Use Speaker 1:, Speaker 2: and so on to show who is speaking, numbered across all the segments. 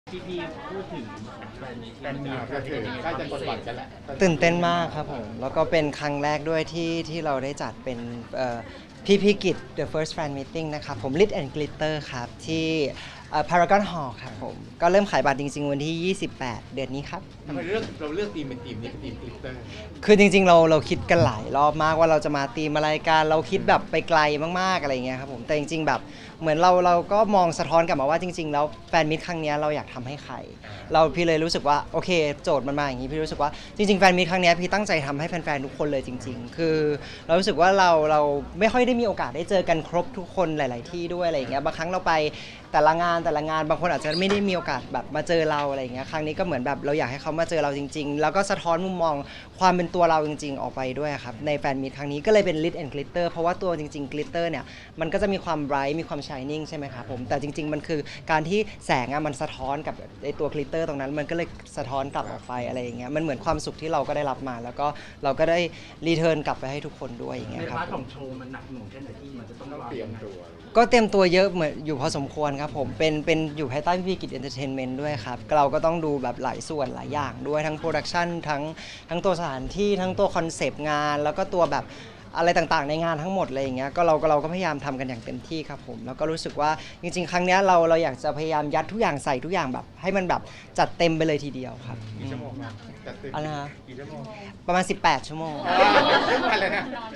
Speaker 1: พี่พูดถึงแฟนมี
Speaker 2: ก็ถือใกล้จะกดบัตรกันแหละ
Speaker 3: ตื่นเต้นมากครับผมแล้วก็เป็นครั้งแรกด้วยที่เราได้จัดเป็นพี่กิจ The First Fan Meeting นะครับผม Lit and Glitter ครับที่Paragon Hall ครับผมก็เริ่มขายบัตรจริงๆวันที่ 28 เดือนนี้ครับ
Speaker 2: ทำไมเราเลือกทีมเป็นทีมนี้เป็นทีมกลิตเตอร์
Speaker 3: คือจริงๆเราคิดกันหลายรอบมากว่าเราจะมาตีมอะไรกันเราคิดแบบไปไกลมากๆอะไรเงี้ยครับผมแต่จริงๆแบบเหมือนเราก็มองสะท้อนกลับมาว่าจริงๆแล้วแฟนมิตรครั้งนี้เราอยากทำให้ใครพี่เลยรู้สึกว่าโอเคโจทย์มันมาอย่างนี้พี่รู้สึกว่าจริงๆแฟนมิตรครั้งนี้พี่ตั้งใจทำให้แฟนๆทุกคนเลยจริงๆคือเรารู้สึกว่าเราไม่ค่อยได้มีโอกาสได้เจอกันครบทุกคนหลาย ๆที่ด้วยอะไรเงี้ยบางครั้งเราไปแต่ละงานบางคนอาจจะไม่ได้มีโอกาสแบบมาเจอเราอะไรเงี้ยครั้งนี้ก็เหมือนแบบเราอยากให้เขามาเจอเราจริงๆแล้วก็สะท้อนมุมมองความเป็นตัวเราจริงๆออกไปด้วยครับในแฟนมีตครั้งนี้ก็เลยเป็น Lit and Glitter เพราะว่าตัวจริงๆ Glitter เนี่ยมันก็จะมีความ bright มีความ shining ใช่ไหมครับผมแต่จริงๆมันคือการที่แสงมันสะท้อนกับไอตัว Glitter ตรงนั้นมันก็เลยสะท้อนกลับออกไปอะไรอย่างเงี้ยมันเหมือนความสุขที่เราก็ได้รับมาแล้วก็เราก็ได้รีเทิร์นกลับไปให้ทุกคนด้วยอย่างเงี้ย
Speaker 1: ใน
Speaker 3: ครับ
Speaker 1: พาร์ทของโชว์มันหนักหน่วงแค่ไหนที่มันจะต้อง
Speaker 2: ต้องเตรียมตัว
Speaker 3: ก็เตรียมตัวเยอะเหมือนอยู่พอสมควรครับผมเป็นอยู่ภายใต้พี่กิจเอนเตอร์เทนเมนต์ด้วยครับเราก็ต้องดูแบบหลายส่วนหลายอย่างด้วยทั้งโปรดักชันทั้งตัวสถานที่ทั้งตัวคอนเซปต์งานแล้วก็ตัวแบบอะไรต่างๆในงานทั้งหมดอะไรอย่างเงี้ยก็เราก็พยายามทำกันอย่างเต็มที่ครับผมแล้วก็รู้สึกว่าจริงๆครั้งเนี้ยเราอยากจะพยายามยัดทุกอย่างใส่ทุกอย่างแบบให้มันแบบจัดเต็มไปเลยทีเดียวครับ
Speaker 2: กี่ชั่วโมงนะจัดเต็ม
Speaker 3: อะไรนะ
Speaker 2: กี่ชั่วโมง
Speaker 3: ประมาณ18 ชั่วโมง
Speaker 2: ทุกวันเลยนะ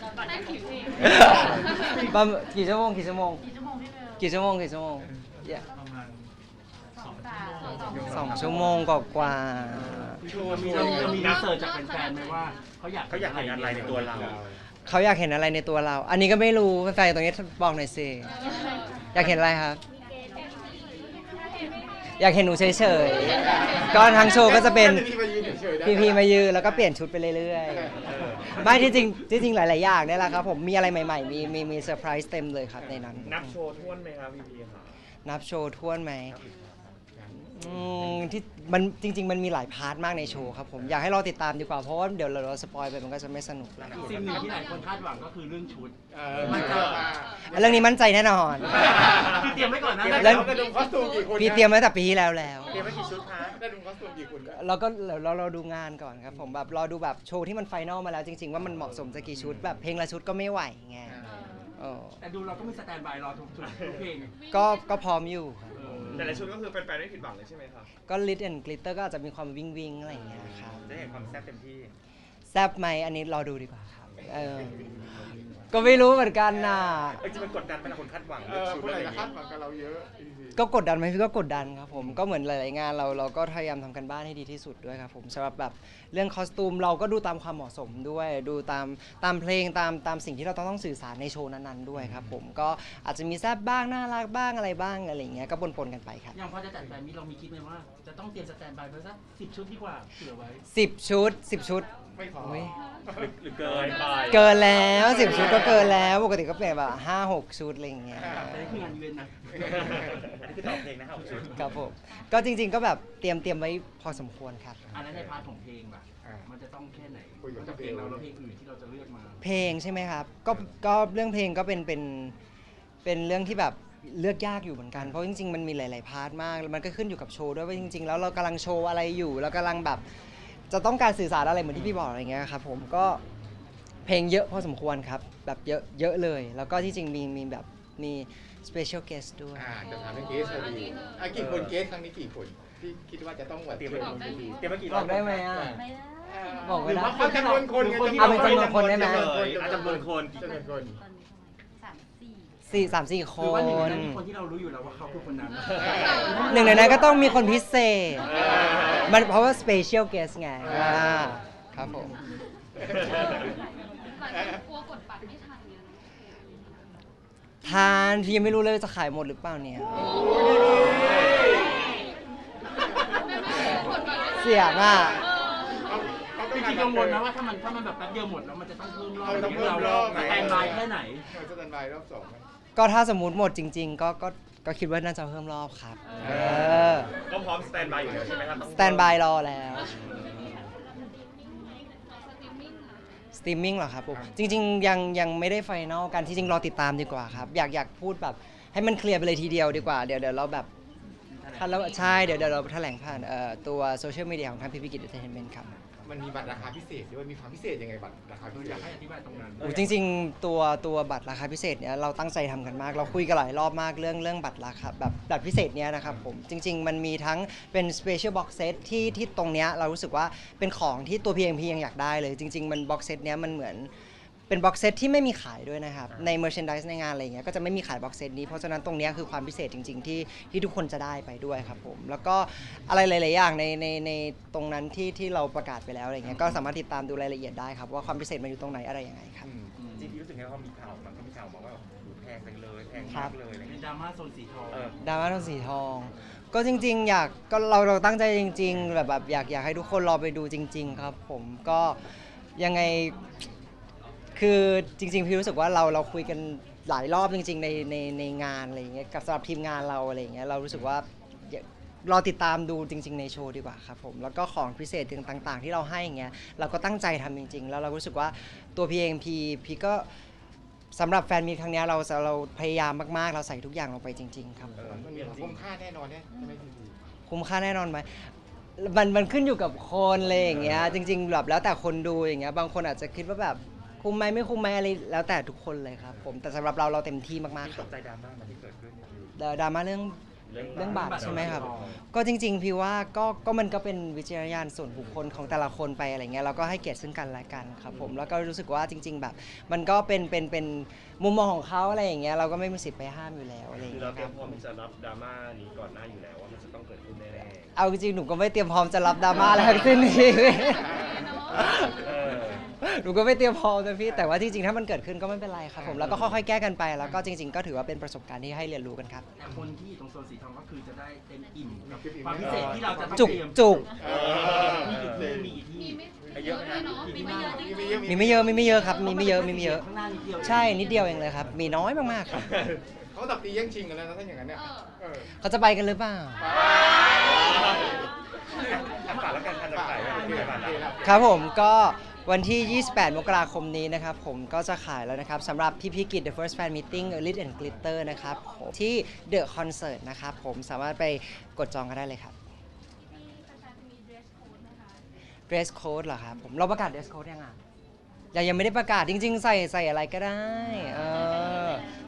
Speaker 3: ประมาณกี่ชั่วโมง
Speaker 1: กี่ชั่วโมงพี่เบล
Speaker 3: กี่ชั่วโมงyeah
Speaker 1: ประมาณ
Speaker 3: 2 ชั่วโมงกว่า
Speaker 1: เรามีรีเสิร์ชจากแฟนๆไหมว่าเขาอยากเห็นอะไรในตัวเรา
Speaker 3: เขาอยากเห็นอะไรในตัวเรา อันนี้ก็ไม่รู้แฟนๆตรงนี้บอกหน่อยสิอยากเห็นอะไรครับ อยากเห็นหนูเฉยๆก็ทั้งโชว์ก็จะเป็น
Speaker 2: พี่มายืนเฉยๆได้
Speaker 3: พีมายืนแล้วก็เปลี่ยนชุดไปเรื่อยๆไม่ที่จริงหลายๆอย่างเนี่ยแหละครับผมมีอะไรใหม่ๆมีเซอร์ไพรส์เต็มเลยครับในนั้น
Speaker 4: นับโชว์ท้วนไหมครับพี่ครับ
Speaker 3: นับโชว์ท้วนไหมที่มันจริง ๆ มันมีหลายพาร์ทมากในโชว์ครับผมอยากให้รอติดตามดีกว่าเพราะว่าเดี๋ยวเราสปอยไปมันก็จะไม่สนุกแล้ว
Speaker 1: อีกสิ่งหนึ่งที่หลายคนคาดหวังก็คือเรื่องชุด
Speaker 2: มันจะ
Speaker 3: เรื่องนี้มั่นใจแน่นอน
Speaker 1: พี่เตรียมไว้ก่อนนะ
Speaker 3: แล้
Speaker 2: แล้ว วจะดูคอสตูมกี่คน
Speaker 3: พี่เตรียมไว้แต่ปีที่แล้ว
Speaker 4: เตรียมไว้กี่ชุดคะ
Speaker 2: ได้ดูคอสตูมกี่คน
Speaker 3: เราก็เราดูงานก่อนครับผมแบบรอดูแบบโชว์ที่มันไฟนอลมาแล้วจริง ๆ ว่ามันเหมาะสมจะกี่ชุดแบบเพลงละชุดก็ไม่ไหวไง
Speaker 1: แต่ดูเราก็มีสแตนบายรอทุกเพลง
Speaker 3: ก็พร้อมอยู่ครับ
Speaker 4: แต่ละชุดก็คือแฟนๆไม่ผิดหวังเลยใช่ไหมครับ
Speaker 3: ก็ Lit and Glitter ก็อาจจะมีความวิงอะไรอย่างเงี้ยครับ
Speaker 4: จะเห็นความแซ่บเต็มที่
Speaker 3: แซบไหมอันนี้รอดูดีกว่าครับก็ไม่รู้เหมือนกันนะ
Speaker 4: จริงๆมันกดดันไหมล่ะคนคาดหวัง
Speaker 2: เอ
Speaker 4: เรื่อง
Speaker 2: อ
Speaker 4: ชุด
Speaker 2: คน
Speaker 4: อะ
Speaker 2: ไหน
Speaker 4: ไรอ
Speaker 2: จะ
Speaker 4: ย่าง
Speaker 2: คา
Speaker 4: เงี้
Speaker 2: ด
Speaker 4: ย
Speaker 2: หวังกับเราเยอะ
Speaker 3: ก็กดดันไหมพี่ก็กดดันครับผมก็เหมือนหลายๆงานเราก็พยายามทำกันบ้านให้ดีที่สุดด้วยครับผมสำหรับแบบเรื่องคอสตูมเราก็ดูตามความเหมาะสมด้วยดูตามเพลงตามสิ่งที่เราต้องสื่อสารในโชว์นั้นๆด้วยครับผมก็อาจจะมีแซบบ้างน่ารักบ้างอะไรบ้างอะไรอย่างเงี้ยก็ปนกันไปครับ
Speaker 1: อย่างพอจะจัดแฟนมีเรามีคิดไหมว่าจะต้องเตรียมสแตนบายไปสัก10 ชุดดีกว่าเผื่อไว้
Speaker 3: 10 ชุด 10 ชุด
Speaker 2: ไม่พอ
Speaker 3: อุ๊ย
Speaker 4: หรือเกินไป
Speaker 3: เกินแล้ว10 ชุดก็เกินแล้วปกติก็เป็นแบบ5-6 ชุดอะไรอย่างเงี้ย
Speaker 1: แต่นี่คืองานอีเวนต์นะ
Speaker 4: อันนี้คือตอบเพลงนะครับชุด
Speaker 3: ครับผมก็จริงๆก็แบบเตรียมไว้พอสมควรครับ
Speaker 1: อันนั้นในพาร์ทของเพลงล่ะมันจะต้องแค่ไหนนอกจากเพลงเราแล้วเพลงอื่นที่เราจะเลือกมา
Speaker 3: เพลงใช่ไหมครับก็เรื่องเพลงก็เป็นเรื่องที่แบบเลือกยากอยู่เหมือนกันเพราะจริงๆมันมีหลายๆพาร์ทมากแล้วมันก็ขึ้นอยู่กับโชว์ด้วยว่าจริงๆแล้วเรากำลังโชว์อะไรอยู่แล้วกำลังแบบจะต้องการสื่อสารอะไรเหมือนที่พี่บอกอะไรเงี้ยครับผมก็เพลงเยอะพอสมควรครับแบบเยอะเลย แล้วก็ที่จริงมีแบบมี special guest ด้วย
Speaker 2: จะถามเรื่องเกสพอดีกี่คนเกสครั้งนี้กี่คนที่คิดว่าจะต้องแบบ
Speaker 4: เตรียมไว้เตรียมไว้กี่ร
Speaker 3: บ
Speaker 4: อ
Speaker 3: อบ กได้ไหมอ่ะ บอก
Speaker 1: ห
Speaker 3: ไม่
Speaker 1: รือ
Speaker 3: ได้
Speaker 1: ว่าคนที่เรา
Speaker 3: เอาเป็นจำนวนคนได้ไหม
Speaker 4: จำนวนคน
Speaker 2: จำนวนคน
Speaker 3: 3-4 ค
Speaker 1: หรือว่าหนึ่งใน
Speaker 3: น
Speaker 1: นั้นมีคนที่เรารู้อยู่แล้วว่าเขาคือคนนั้น
Speaker 3: หนึ่งในนั้นก็ต้องมีคนพิเศษมันเพราะว่า special guest ไงครับผม
Speaker 5: กลัวกดบัตรไม่ทันเนี่ย
Speaker 3: ทานพี่ยังไม่รู้เลยจะขายหมดหรือเปล่าเนี่ย เสียงอ่ะ
Speaker 1: จริงๆกังวลนะว่าถ้ามันแบบแป๊บเดียวหมดแล้วมันจะต้องเพิ่มรอบ
Speaker 2: ต้องเพิ่มรอบ
Speaker 1: สแตนบายแค่ไหน
Speaker 2: สแตนบายรอบ2
Speaker 3: ก็ถ้าสมมติหมดจริง ๆ ก็คิดว่าน่าจะเพิ่มรอบครับอ
Speaker 4: ก็พร้อมสแตนบายอยู่แล้วใช่ไหมครับ
Speaker 3: สแตนบายรอแล้วสตรีมมิ่งเหรอครับผมจริงๆยังไม่ได้ไฟนอลกันที่จริงรอติดตามดีกว่าครับอยากพูดแบบให้มันเคลียร์ไปเลยทีเดียวดีกว่าเดี๋ยวเราแบบแล้วใช่เดี๋ยวเราแถลงผ่านตัวโซเชียลมีเดียของทางพีพีกิจเอนเตอร์เทนเมนต์ครับ
Speaker 2: มันมีบัตรราคาพิเศษด้วยมีความพิเศษยังไงบัตรราคาพิเศษ
Speaker 1: อยากให้อธิบายตรงนั้น
Speaker 3: โอ้จริงๆตัวบัตรราคาพิเศษเนี่ยเราตั้งใจทำกันมากเราคุยกันหลายรอบมากเรื่องบัตรราคาแบบบัตรพิเศษเนี้ยนะครับผมจริงๆมันมีทั้งเป็น special box set ที่ตรงเนี้ยเรารู้สึกว่าเป็นของที่ตัว PMP ยังอยากได้เลยจริงๆมัน box set เนี้ยมันเหมือนเป็น box set ที่ไม่มีขายด้วยนะครับใน merchandise ในงานอะไรเงี้ยก็จะไม่มีขาย box set นี้เพราะฉะนั้นตรงเนี้ยคือความพิเศษจริงๆที่ทุกคนจะได้ไปด้วยครับผมแล้วก็อะไรหลายๆอย่างในตรงนั้นที่เราประกาศไปแล้วอะไรเงี้ยก็สามารถติดตามดูรายละเอียดได้ครับว่าความพิเศษมันอยู่ตรงไหนอะไรยังไงครับ
Speaker 4: จริงๆรู้สึกไงว่ามีข่าวมันก็มีข่าวมาว่าแพงไปเลยแพงมากเลยอะไร
Speaker 1: เป็น
Speaker 4: เงี้ย
Speaker 1: ดราม่าโซนสีทอง
Speaker 3: ดราม่าทองสีทอง ก็จริงๆ ก็เราตั้งใจจริงๆแบบอยากให้ทุกคนรอไปดูจริง ๆ ครับผมก็ยังไงคือจริงๆพี่รู้สึกว่าเราคุยกันหลายรอบจริงๆในงานอะไรอย่างเงี้ยกับสำหรับทีมงานเราอะไรอย่างเงี้ยเรารู้สึกว่ารอติดตามดูจริงๆในโชว์ดีกว่าครับผมแล้วก็ของพิเศษต่างๆ ที่เราให้อย่างเงี้ยเราก็ตั้งใจทำจริงๆแล้วเรารู้สึกว่าตัวพี่เองพี่ก็สำหรับแฟนมีตครั้งเนี้ยเราพยายามมากๆเราใส่ทุกอย่างลงไปจริง ๆ ครับ
Speaker 2: มันมีคุ้มค่าแน่นอนเนี่ยใช่ไหมพี่
Speaker 3: คุ้มค่าแน่นอนไหมมันขึ้นอยู่กับคนเลยอย่างเงี้ยจริงๆแบบแล้วแต่คนดูอย่างเงี้ยบางคนอาจจะคิดว่าแบบคุ้มไหมไม่คุ้มไหมอะไรแล้วแต่ทุกคนเลยครับผมแต่สำหรับเราเต็มที่มากๆค
Speaker 4: ต
Speaker 3: รับ
Speaker 4: กใจดราม่ามันที่เกิดขึ้น
Speaker 3: ดราม่าเรื่องบัตรใช่ไหมครับก็จริงๆพี่ว่าก็มันก็เป็นวิจารณญาณส่วนบุคคลของแต่ละคนไปอะไรเงี้ยเราก็ให้เกียรติซึ่งกันและกันครับผมแล้วก็รู้สึกว่าจริง ๆ แบบมันก็เป็นมุมมองของเขาอะไรอย่างเงี้ยเราก็ไม่มีสิทธิ์ไปห้ามอยู่แล้วอะไรอย่าง
Speaker 6: คือ
Speaker 3: เงี้
Speaker 6: เรา
Speaker 3: ย
Speaker 6: เต
Speaker 3: ค
Speaker 6: รีย
Speaker 3: รับ
Speaker 6: มพร้อมที่จะรับดราม่านี้ก่อนหน้าอยู่แล้วว่ามันจะต้องเกิดขึ้นแน่
Speaker 3: เอาจริงๆหนูก็ไม่เตรียมพร้อมจะรับดราม่าอะไรทั้งสิ้นนี่
Speaker 6: ๆเออ
Speaker 3: หนูก็ไม่เตรียมพร้อมนะพี่แต่ว่าจริงๆถ้ามันเกิดขึ้นก็ไม่เป็นไรครับผมแล้วก็ค่อยๆแก้กันไปแล้วก็จริง ๆ ก็ถือว่าเป็นประสบการณ์ที่ให้เรียนรู้กันครับ
Speaker 1: แต่คนที่อยู่ตรงโซนสีทองก็คือจะได้เต็มอิ่มกับความพิเศษที่เราจะต้อง
Speaker 3: จุก
Speaker 1: เตรียม
Speaker 3: จุก
Speaker 1: มีกี่ที่
Speaker 5: มีไม่
Speaker 4: เยอะไหม
Speaker 5: เนาะมีไม่เยอะจริง
Speaker 3: มีไม่เยอะครับมีไม่เยอะ
Speaker 1: ข้างหน้านิดเดียว
Speaker 3: ใช่นิดเดียวเองเลยครับมีน้อยมากๆครับ
Speaker 2: เขาตับตีแย่งชิงกันแล้วนะถ้าอย่างนั้นเนี่ย
Speaker 3: เขาจะไปกันหรือเปล่า
Speaker 4: ฝากแล้วกันทันจะขายโอเคฝากแล้ว
Speaker 3: ครับผมก็วันที่ 28 มกราคมนี้นะครับผมก็จะขายแล้วนะครับสำหรับพี่พิกิจ The First Fan Meeting Lit and Glitter นะครับผมที่ The Concert นะครับผมสามารถไปกดจองกันได้เลยครับ
Speaker 5: มีแฟนๆมีเดรสโค้ดไหมคะ
Speaker 3: Dress Code เหรอครับผมเราประกาศ Dress Code ยังอ่ะยังไม่ได้ประกาศจริง ๆ ใส่อะไรก็ได้